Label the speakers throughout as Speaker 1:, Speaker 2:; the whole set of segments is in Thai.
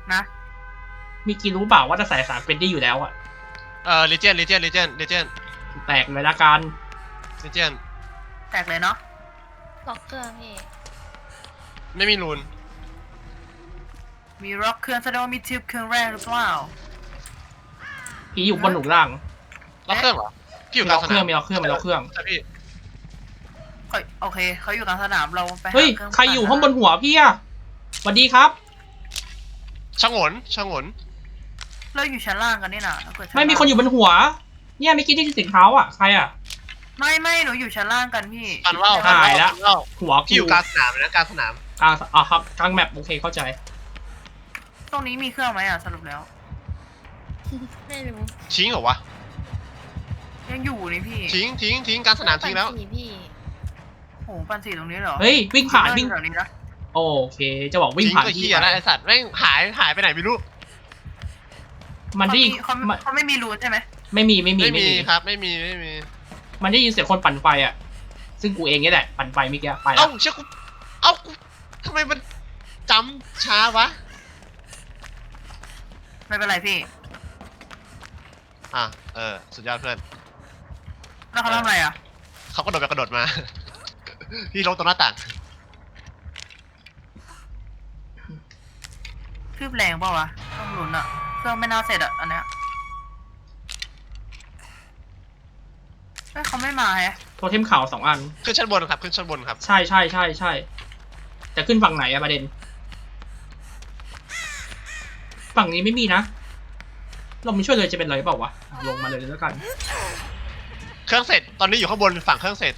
Speaker 1: นะ
Speaker 2: มีกี่รู้เปล่าว่าจะใส่3เป็นได้อยู่แล้วอะ
Speaker 3: เลเจน
Speaker 2: แตกเลยละกัน
Speaker 1: แตกเลยเนาะ
Speaker 4: ล็อกเครื่องพี่
Speaker 3: ไม่มีรูน
Speaker 1: มีร็อกเครื่องแสดงว่ามีทิปเครื่องแรกหรือเปล่า
Speaker 2: พี่อยู่บนหนุนล่าง
Speaker 3: ล็อกเครื่องเหรอพี่อยู่
Speaker 2: มี
Speaker 3: กลา
Speaker 2: ล็
Speaker 3: ง
Speaker 2: อก
Speaker 3: ส
Speaker 2: เครื่
Speaker 3: นา
Speaker 2: อง
Speaker 3: ม
Speaker 2: มีล็อกเครื่องมีล็อกเครื่อง
Speaker 3: ใช่พี่
Speaker 1: โอเคเขาอยู่กลางสนามเราไปหา
Speaker 2: เฮ้ย
Speaker 1: เครื่อง
Speaker 2: ใครอยู่ข้างบนหัวพี่อะสวัสดีครับ
Speaker 3: ชะงน
Speaker 1: เราอยู่ชั้นล่างกันนี่นะเกิดชั้
Speaker 2: ไม่มีคนอยู่บนหัว เนี่ยเมื่อกี้ที่เสียงเท้าอะใครอะ
Speaker 1: ไม่หนูอยู่ชั้นล่างกันพี่
Speaker 3: ปันว่าว
Speaker 2: หายละ
Speaker 3: ปันว่าว
Speaker 2: หัว
Speaker 3: พี่อยู่กลางสนามนะกลางสนาม
Speaker 2: กลางอ่ะครับกลางแมปโอเคเข้าใจ
Speaker 1: ตรงนี้มีเครื่องไหมสรุปแล้ว
Speaker 4: ไม่รู้
Speaker 3: ทิ้งเหรอวะ
Speaker 1: ยังอยู่นี่พี่
Speaker 3: ทิ้งกลางสนามทิ้งแล้ว
Speaker 4: ปั่นสี่พี่
Speaker 1: โหปันสีตรงนี้เหรอ
Speaker 2: เฮ้ยวิ่งผ่านวิ่ง
Speaker 1: แถวนี้นะ
Speaker 2: โอเคจะบอกวิ่ง
Speaker 3: ทิ้ง
Speaker 2: ผ่าน
Speaker 3: ก็
Speaker 2: ที่
Speaker 3: เหี้ยแล้วไอสัตว์แม่งหายไปไหนไม่รู้
Speaker 2: มันได้ยิน
Speaker 1: เขาไม่มีรูนใช่ไหม
Speaker 2: ไม่มี
Speaker 3: ไม่มีครับไม่มี
Speaker 2: มันได้ยินเสียงคนปั่นไฟอะซึ่งกูเองนี่แหละปั่นไฟเมื่อกี้ไปแล้
Speaker 3: เอ้าว เชื่อกูกูทำไมมันจำช้าวะ
Speaker 1: ไม่เป็นไรพี่
Speaker 3: สุดยอดเพื่อน
Speaker 1: แล้วเขาทำอะไรอ่ะ
Speaker 3: เขากระโดดมา พี่ลงตรงหน้าต่าง
Speaker 1: คืบแรงเปล่าวะต้องลุ้นอ่ะเครื่องไม่น่าเสร็จอ่ะอันเนี้ยเฮ้ยเขาไม่มาแฮะ
Speaker 2: โทเทมข่าว2 อัน
Speaker 3: ขึ้นชั้นบนครับ
Speaker 2: ใช่จะขึ้นฝั่งไหนอะประเด็น ฝั่งนี้ไม่มีนะเราไม่ช่วยเลยจะเป็นไรเปล่าวะลงมาเลยแล้วกัน
Speaker 3: เครื่องเสร็จตอนนี้อยู่ข้างบนฝั่งเครื่องเสร็จ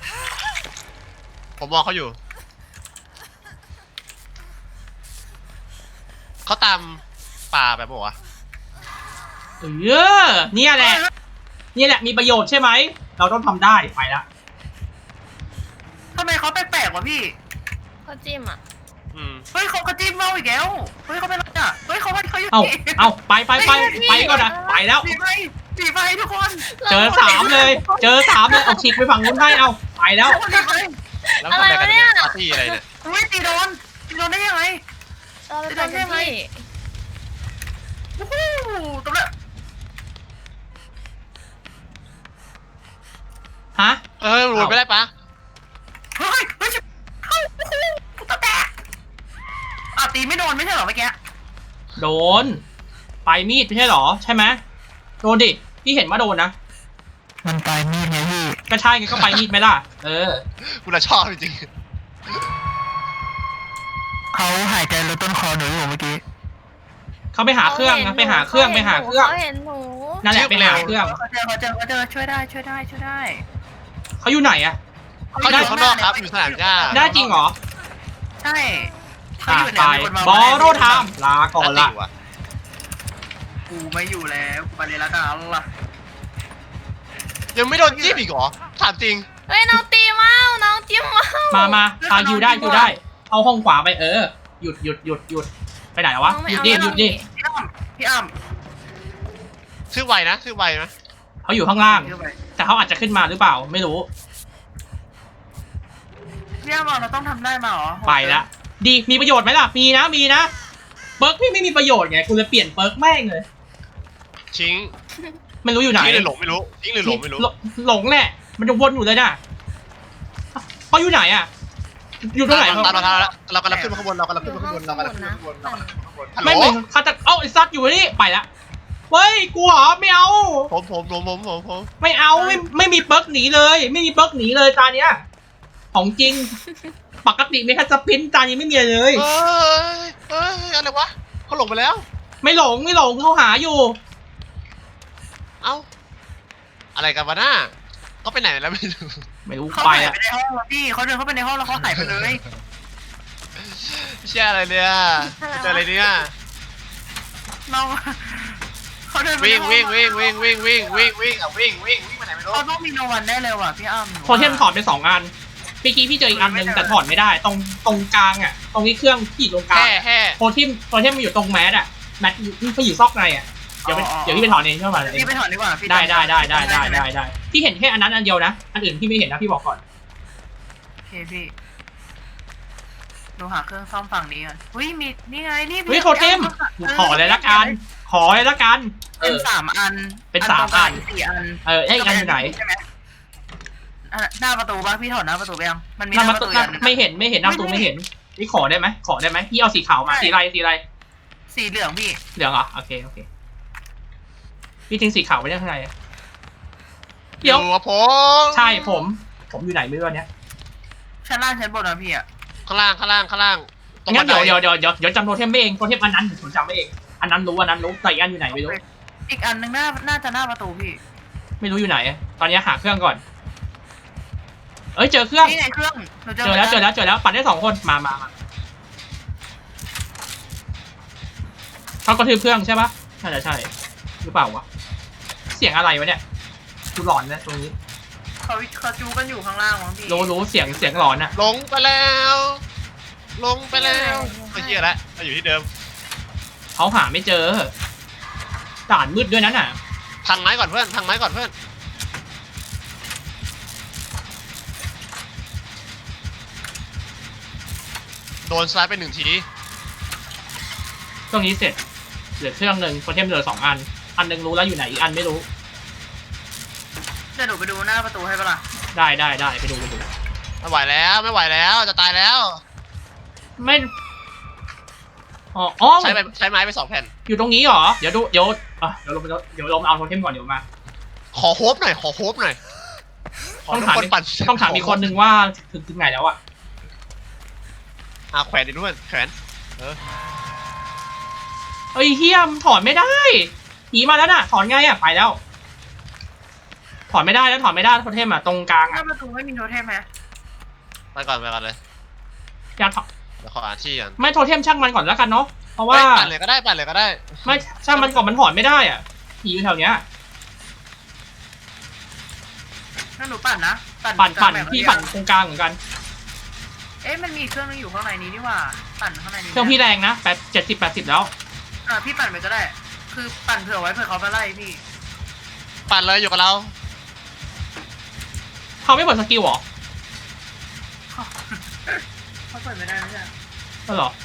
Speaker 3: ผมมองเขาอยู่เขาตามป่าแบบบอกว่า
Speaker 2: เนี่ยแหละมีประโยชน์ใช่ไหมเราต้องทำได้ไปละ
Speaker 1: ทำไมเขาแปลกๆวะพี่
Speaker 4: เขาจิ้มอ่ะ
Speaker 1: เฮ้ยเขากระจิ้มเมาอีกแล้วเฮ้ยเขาเป็นอะไรอ่ะเฮ้ยเขาอยู่
Speaker 2: เอาไปก่อนนะไปแล้ว
Speaker 1: สีไฟทุกคน
Speaker 2: เจอ3เลยเอาฉีกไปฝั่งนู้นให้เอาไปแล้ว
Speaker 1: ทุกคนสีไฟ
Speaker 3: แล้วทำอะไรกันเนี่ยปาร์ตี้อะไรเนี่ย
Speaker 1: อุ้ยตีโดนได้ยังไง
Speaker 4: เราไปปั่นกันพี่
Speaker 1: โอ้โหตบเลย
Speaker 2: ฮะ
Speaker 3: รวยไม่ได้ปะ
Speaker 1: เฮ้ยกูตะแตกตีไม่โดนไม่ใช่เหรอเมื่อกี้
Speaker 2: โดนไปมีดไม่ใช่หรอใช่ไหมโดนดิพี่เห็นว่าโดนนะ
Speaker 1: มันปลายมีดไงพี่
Speaker 2: ก็ใช่ไงก็ไปมีดไหมล่ะ
Speaker 3: กูละชอบจริง
Speaker 1: เขาหายใจลดต้นคอหนูอยู่เมื่อกี้
Speaker 2: เขาไปหาเครื่องนะไปหาเครื่อง
Speaker 4: เขาเห็นหนู
Speaker 2: นั่นแหละไปหาเครื่อง
Speaker 1: เขาเจอช่วยได้
Speaker 2: เขาอยู่ไหนอะ
Speaker 3: เขาอยู่ข้างนอกครับอยู่สนามหญ้า
Speaker 2: ได้จริงเหรอ
Speaker 1: ใช่เขา
Speaker 2: อ่ะ
Speaker 1: อยู่
Speaker 2: ไป
Speaker 1: เนี่ย
Speaker 2: บอโรไทม์ลาก่อนละ
Speaker 1: กูไม่อยู่แล้วไปเลยละกันล่ะ
Speaker 3: ยังไม่โดนจิ้มอีกเหรอถามจริง
Speaker 4: เฮ้ยน้องตีเมาน้องจิ้มเมา
Speaker 2: มาฮิวได้เอาห้องขวาไปหยุดไปไหนวะหยุดดิ
Speaker 1: พี่อ้ำ
Speaker 3: ชื่อไวนะ
Speaker 2: เขาอยู่ข้างล่าง แต่เขาอาจจะขึ้นมาหรือเปล่าไม่รู้
Speaker 1: พี่อ้ำเราต้องทำได้มาเหรอ
Speaker 2: ไปละดีมีประโยชน์ไหมล่ะมีนะเปิร์กพี่ไม่มีประโยชน์ไงกูเลยเปลี่ยนเปิร์กแม่งเลย
Speaker 3: ทิ้ง
Speaker 2: ไม่รู้อยู่ไหน
Speaker 3: ทิ้งหรือหลงไม่รู้
Speaker 2: หลงแหละมันจะวนอยู่เลยน่ะเขาอยู่ไหนอะอยู่ตรงไหน
Speaker 3: ตามเราแล้วเรากำลังขึ้นมาข้างบนฮัลโหล
Speaker 2: ไม่เหมือนเขาจะไอ้ซัดอยู่นี่ไปละเฮ้ยกูเหรอไม่เอา
Speaker 3: ผม
Speaker 2: ไม่เอาไม่มีเปิร์กหนีเลยไม่มีเปิร์กหนีเลยตาเนี้ยของจริงปกติไม่แค่สปินตานี้ไม่มีเลย
Speaker 3: อะไรวะเขาหลงไปแล้ว
Speaker 2: ไม่หลงเขาหาอยู่
Speaker 3: เอ้าอะไรกันวะหน้าเขาไปไหนแล้วไม่รู้
Speaker 2: ไม่รู้
Speaker 1: เขา
Speaker 2: ไป
Speaker 1: หาย
Speaker 2: อะ
Speaker 1: ไปในห้องแล้วพี่เขาเดินเข้าไปในห้องแล้วเขาหายไปเลย
Speaker 3: เชี่ยอะไรเนี่ยเจออะไรเนี่ย
Speaker 1: น้องเขาเดิน
Speaker 3: วิ่งไปไหนไม่รู้
Speaker 1: เขาต้องมีโนวันได้เลยว่ะพี่อ้ำ
Speaker 2: โทเทมถอดไป2 อันเมื่อกี้พี่เจออีกอันนึงแต่ถอดไม่ได้ตรงกลางอะตรงนี้เครื่องที่อยู่ตรงกลางโทเทมมันอยู่ตรงแมสอะแมสมันอยู่ซอกในอะเดี๋ยวพี่ไปถอดเองใช่ไหม
Speaker 1: พี่ไปถอนดีกว่าพี่
Speaker 2: ได้พี่เห็นแค่อันนั้นอันเดียวนะอันอื่นพี่ไม่เห็นนะพี่บอกก่อน
Speaker 1: โอเคพี่ดูหาเครื่องซ่อมฝั่งนี้กันเฮ้ยมีนี่ไงนี่
Speaker 2: เฮ้ยโทเทมขอเลยละกันขอเลยละกัน
Speaker 1: เป็น3 อัน
Speaker 2: เป็น3 อัน
Speaker 1: 4 อัน
Speaker 2: ไอ้อีกอันอยู่ไหน
Speaker 1: ใช่ไหมหน้าประตูป่ะพี่ถอดหน้าประตูไปยังมันมี
Speaker 2: นั่น
Speaker 1: ห
Speaker 2: มั
Speaker 1: น้าน ประตู
Speaker 2: นั่นไม่เห็นหน้าประตูไม่เห็นนี่ขอได้ไหมพี่เอาสีขาวมาสีอะไร
Speaker 1: สีเหลืองพี่
Speaker 2: เหลืองเหรอโอเคพี่ทิ้งสีขาวไว้ได้ข้างในเดี๋ยว
Speaker 3: กับผม
Speaker 2: ใช่ผมอยู่ไหนไม่รู้อันเนี้ย
Speaker 1: ชั้นล่างชั้นบนนะพี่อะ
Speaker 3: ข้างล่างตรง
Speaker 2: งั้นเดี๋ยว
Speaker 3: บัไ
Speaker 2: เดี๋ยวจำโทเทมไม่เองโทเทมอันนั้นผมจำไม่เองอันนั้นรู้แต่อีกอันอยู่ไหนไม่รู้
Speaker 1: อีกอันนึงน่าจะหน้าประตูพี่
Speaker 2: ไม่รู้อยู่ไหนตอนนี้หาเครื่องก่อนเอ้ยเจอเครื่อง
Speaker 1: นี่ไงเครื่องหนู
Speaker 2: เจอแล้วปัดได้2 คนมาเขากระทืบเครื่องใช่ปะน่าจะใช่หรือเปล่าวะเสียงอะไรวะเนี่ยดูหลอนนะตรงนี้
Speaker 1: เขาจูกันอยู่ข้างล่างมั้งพี่
Speaker 2: รู้เสียงหลอนอะ
Speaker 3: ลงไปแล้วไอ้เหี้ยละมาอยู่ที่เดิม
Speaker 2: เขาหาไม่เจอด่านมืดด้วยนั้นน่ะ
Speaker 3: พังไม้ก่อนเพื่อนโดนสไลด์ไป1 ที
Speaker 2: เครื่องนี้เสร็จเหลือเครื่องหนึ่งโทเทมเหลือ2 อันหนึ่งรู้แล้วอยู่ไหนอีกอันไม่รู้
Speaker 1: เดี๋ยวหนูไปดูหน้าประตูให้ปะล่ะ
Speaker 2: ได้ไปดู
Speaker 3: ไม่ไหวแล้วจะตายแล้ว
Speaker 2: ไม่อ๋อ
Speaker 3: ใช้ไม้ไป2 แผ่น
Speaker 2: อยู่ตรงนี้เหรอเดี๋ยวลงมาเอาโทเทมก่อนเดี๋ยวมา
Speaker 3: ขอโฮปหน่อยขอ
Speaker 2: ต้องถาม
Speaker 3: ทุกคนปั่น
Speaker 2: ต้องถามอีกคนนึงว่าถึงไหนแล้วอะ
Speaker 3: แขวนดิด้วยแขวน
Speaker 2: เอ้ยเฮียมถอนไม่ได้ผีมาแล้วน่ะถอนไงอะไปแล้วถอนไม่ได้โทเทมอะตรงกลาง
Speaker 1: หน้า
Speaker 2: อะ
Speaker 1: ประตูไม่มีโทเทมไหม
Speaker 3: ไปก่อนเลย
Speaker 2: อยากถอน
Speaker 3: เดี๋ยวขออ่านที่ก่อน
Speaker 2: ไม่โทเทมช่างมันก่อนแล้วกันเนาะเพราะว่า
Speaker 3: ปั่นเลยก็ได้
Speaker 2: ไม่ช่างมันก่อนมันถอนไม่ได้อะผีอยู่แถวเนี้ย
Speaker 1: นั่นหนูปั่นนะ
Speaker 2: ปั่น
Speaker 1: แบบ
Speaker 2: พี่ปั่นตรงกลางเหมือนกัน
Speaker 1: เอ๊ะมันมีเครื่องนึงอยู่ข้างในนี้นี่หว่าปั่นข้างในนี้
Speaker 2: เครื่องพี่แรงนะ70-80แล้ว
Speaker 1: พี่ปั่นไปก็ได้ คือปั่นเผื่อไว้เผื่อเขามาไล่พี่
Speaker 3: ปั่นเลยอยู่กับเรา
Speaker 2: เขาไม่เปิดสกิลหรอ
Speaker 1: เขาเปิดไม่ได้ไม่ใช่
Speaker 2: ก็หรอ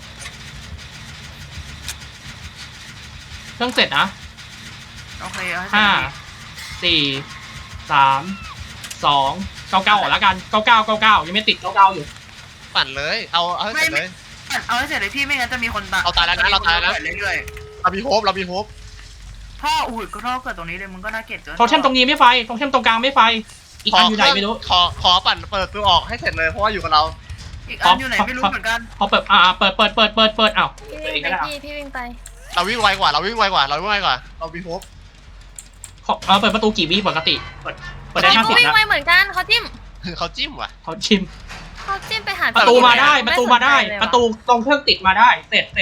Speaker 2: เครื่องเสร็จนะ
Speaker 1: โอเคเอาให้
Speaker 2: 5 4 3 2 99ออกแล้วกัน99ยังไม่ติด99อยู่
Speaker 3: ปั่นเลยเอาให้เสร็จเลย
Speaker 1: เอาให้เสร็จเลยพี่ไม่งั้นจะมีคนตาย
Speaker 3: เราตายแล้วนะ
Speaker 1: เรื่อย
Speaker 3: เรามีโฮป
Speaker 1: ๆท่ออุ้ยก็ท่อเกิดตรงนี้เลยมึงก็น่าเกลียดเกิน
Speaker 2: โทเทมตรงนี้ไม่ไฟโทเทมตรงกลางไม่ไฟอีกอันอยู่ไหนไม่รู้
Speaker 3: ขอปั่นเปิดตัวออกให้เสร็จเลยเพราะว่าอยู่กับเรา
Speaker 1: อีกอันอยู่ไหนไม่รู้เหมือนกัน
Speaker 2: พอเปิดเปิดอ้าว
Speaker 4: พี่วิ่งไปพี่วิ่งไป
Speaker 3: เราวิ่งไวกว่าเรามีโฮป
Speaker 2: เปิดประตูกี่วิปกติเปิดได้
Speaker 4: เขาวิ่ง
Speaker 2: 50
Speaker 4: ไป
Speaker 2: นะ
Speaker 4: เหมือนกันเขาจิ้ม
Speaker 3: เขาจิ้มว่ะ
Speaker 2: เขาชิม
Speaker 4: ไปหา
Speaker 2: ประตูมาได้ประตูตรงเครื่องติดมาได้เสร็จ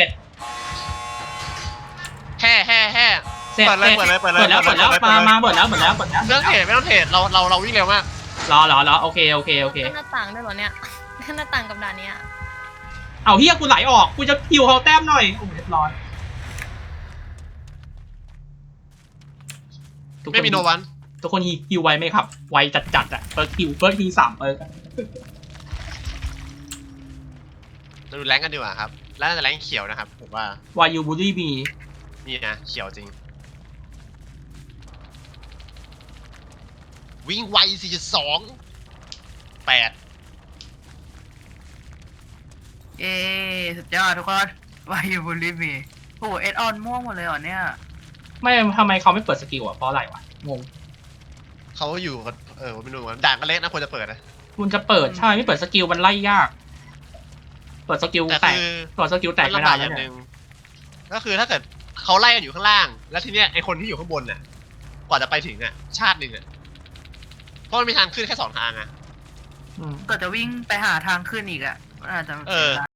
Speaker 3: แห่เปิดแล้วมาเปิดแล้ว
Speaker 2: เรื่องเทรดไม่ต้องเทรด
Speaker 3: เราวิ่งเร็วมาก
Speaker 2: รอโอเค
Speaker 4: หน้าต่างด้วยเหรอเนี่ยหน้าต่างกับด่านเนี้ย
Speaker 2: เอาเฮียกูไหลออกกูจะคิวเขาแต้มหน่อยโอ้เรียบร้อย
Speaker 3: ไม่มีโนวัน
Speaker 2: ทุกคนฮิวไวไหมครับไวจัดอะเฟิร์สฮิว3เปิร์ก
Speaker 3: เราดูแรงกันดีกว่าครับแล้วน่าจะแรงเขียวนะครับผมว่าว
Speaker 2: ายูบูลี่มี
Speaker 3: นี่นะเขียวจริงวิ่งไว 4.2 8
Speaker 1: เย้สุดยอดทุกคนวายูบุลิมีโอ้เอ็ดออนม่วงหมดเลยเหรอเนี่ย
Speaker 2: ไม่ทำไมเขาไม่เปิดสกิลอะเพราะอะไรวะงง
Speaker 3: เขาอยู่กันไม่รู้ว่าด่านก็เล็กนะควรจะเปิดนะ
Speaker 2: คุณจะเปิดใช่ไม่เปิดสกิลมันไล่ยาก เปิดสกิล
Speaker 3: แต่
Speaker 2: แตก
Speaker 3: คือ
Speaker 2: เปิดสกิลแตกไม่
Speaker 3: ลำ
Speaker 2: ได้
Speaker 3: บากอ
Speaker 2: แล้ว
Speaker 3: ย่างห
Speaker 2: เนี่
Speaker 3: นึ่
Speaker 2: ย
Speaker 3: งก็คือถ้าเกิดเขาไล่กันอยู่ข้างล่าง แล้วทีเนี้ยไอคนที่อยู่ข้างบนน่ะกว่าจะไปถึงอ่ะชาติหนึ่งอ่ะเพราะมันมีทางขึ้นแค่2 ทางอ่ะ
Speaker 2: อืม
Speaker 1: ก็จะวิ่งไปหาทางขึ้นอีกอ่ะอาจจะ
Speaker 3: เออ